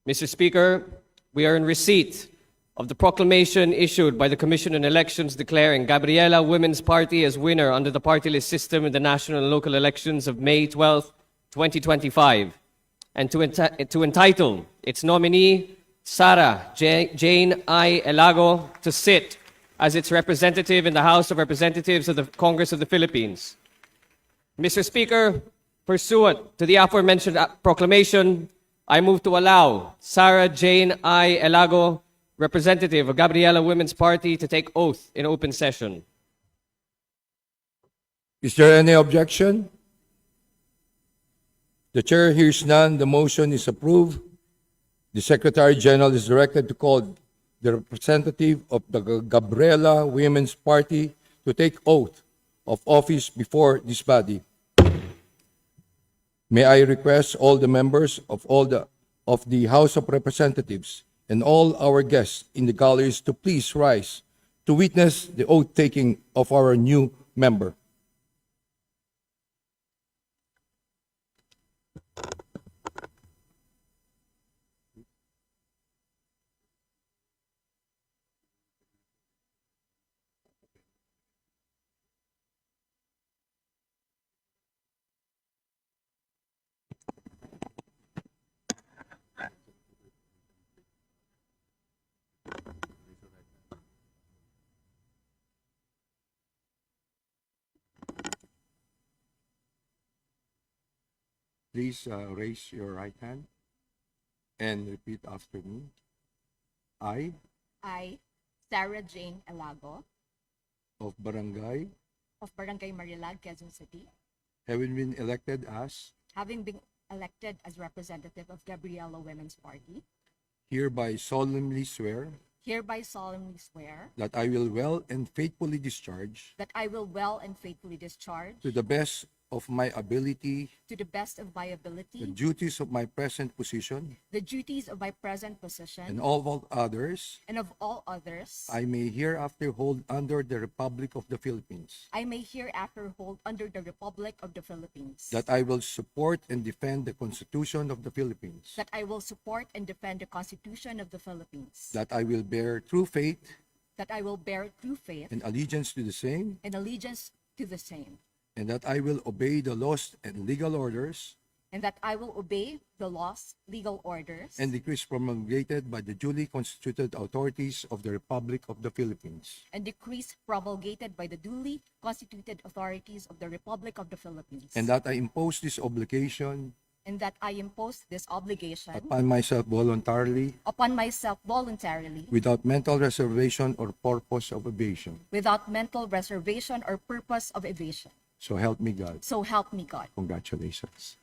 Mr. Speaker, we are in receipt of the proclamation issued by the Commission on Elections declaring Gabriela Women's Party as winner under the party list system in the national and local elections of May 12, 2025, and to entitle its nominee, Sara Jane I. Elago, to sit as its representative in the House of Representatives of the Congress of the Philippines. Mr. Speaker, pursuant to the aforementioned proclamation, I move to allow Sara Jane I. Elago, representative of Gabriela Women's Party, to take oath in open session. Is there any objection? The chair hears none. The motion is approved. The Secretary General is directed to call the representative of the Gabriela Women's Party to take oath of office before this body. May I request all the members of the House of Representatives and all our guests in the galleries to please rise to witness the oath-taking of our new member. Please raise your right hand and repeat after me. I, Sara Jane Elago, of Barangay, Marilag, Quezon City, having been elected as, having been elected as representative of Gabriela Women's Party, hereby solemnly swear hereby solemnly swear that I will well and faithfully discharge, that I will well and faithfully discharge, to the best of my ability, to the best of my the ability, duties of my present position, the duties of my present position, and all others and of all others I may hereafter hold under the Republic of the Philippines. I may hereafter hold under the Republic of the Philippines, That I will support and defend the Constitution of the Philippines. that I will support and defend the Constitution of the Philippines, That I will bear true faith that I will bear true faith and allegiance to the same. and allegiance to the same, And that I will obey the laws and legal orders and that I will obey the laws, legal orders, and decrees promulgated by the duly constituted authorities of the Republic of the Philippines. and decrees promulgated by the duly constituted authorities of the Republic of the Philippines, And that I impose this obligation and that I impose this obligation upon myself voluntarily, upon myself voluntarily, without mental reservation or purpose of evasion. without mental reservation or purpose of evasion. So help me God. So help me God. Congratulations.